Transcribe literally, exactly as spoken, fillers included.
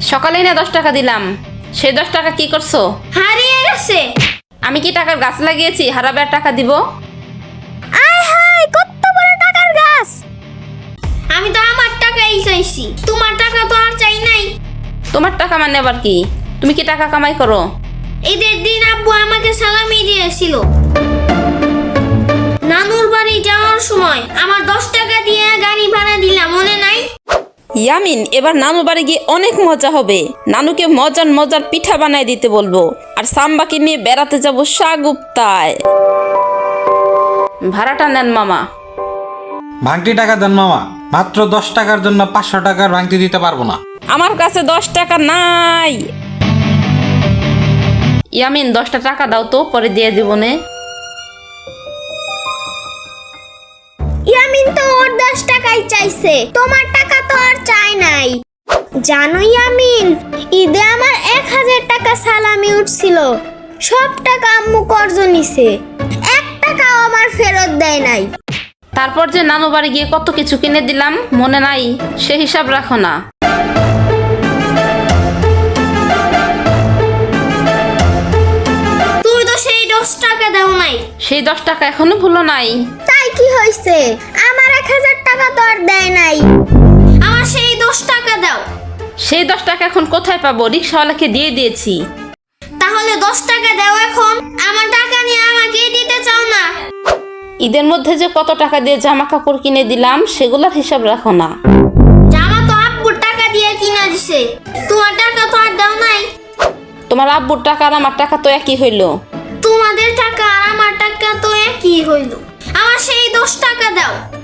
সকালেই না দশ টাকা দিলাম, সেই দশ টাকা কি করছো? হারিয়ে গেছে। আমি কি টাকার গাছ লাগিয়েছি হারাবে আর টাকা দিব? আয় হায়, কত বড় টাকার গাছ! আমি তো আমার টাকাই চাইছি, তোমার টাকা তো আর চাই নাই। তোমার টাকা মানে আবার কি? তুমি কি টাকা কামাই করো? ঈদের দিন আব্বু আমাকে সালামি দিয়েছিল। নানুর বাড়ি যাওয়ার সময় আমার দশ টাকা দিয়ে গাড়ি ভাড়া দিলাম, মনে নাই? ইয়ামিন, এবার নানু বাড়ি গিয়ে অনেক মজা হবে। নানুকে মজার মজার পিঠা বানাই দিতে বলবো, আর সাম্বাকে নিয়ে বেড়াতে যাবো সাগুপ্তায়। ভাড়াটা নেন মামা। ভাঙতি টাকা দেন মামা, মাত্র দশ টাকার জন্য পাঁচশো টাকার ভাঙতি দিতে পারবো না। আমার কাছে দশ টাকা নাই। ইয়ামিন, দশটা টাকা দাও তো, পরে দিয়ে দিবনে। ইয়ামিন তো ওর দশ টাকাই চাইছে, তোমার টাকা তো আর চাই নাই। জানো ইয়ামিন, ঈদে আমার এক হাজার টাকা সালামি উঠছিল, সব টাকা আম্মু কর্জ নিছে, এক টাকাও আমার ফেরত দেয় নাই। তারপর যে নানু বাড়ি গিয়ে কত কিছু কিনে দিলাম, মনে নাই? সে হিসাব রাখো না। তুই তো সেই দশ টাকা দাও নাই। সেই দশ টাকা এখনো ভুলো নাই? তাই কি হয়েছে? আমার এক হাজার টাকা তো আর দেয় নাই। আমার সেই দশ টাকা দাও। সেই দশ টাকা এখন কোথায় পাবো? রিক্সাওয়ালাকে দিয়ে দিয়েছি। তাহলে দশ টাকা দাও এখন, আমার টাকা নিয়ে আমাকে দিতে চাও না? ঈদের মধ্যে যে কত টাকা দিয়ে জামা কাপড় কিনে দিলাম, সেগুলোর হিসাব রাখো না। জামা তো আব্বুর টাকা দিয়ে কিনা দিছে, তোমার টাকা তো আর দাও নাই। তোমার আব্বুর টাকা আর আমার টাকা তো একই হইলো। তোমাদের টাকা আর আমার টাকা তো একই হইল। আমার সেই দশ টাকা দাও।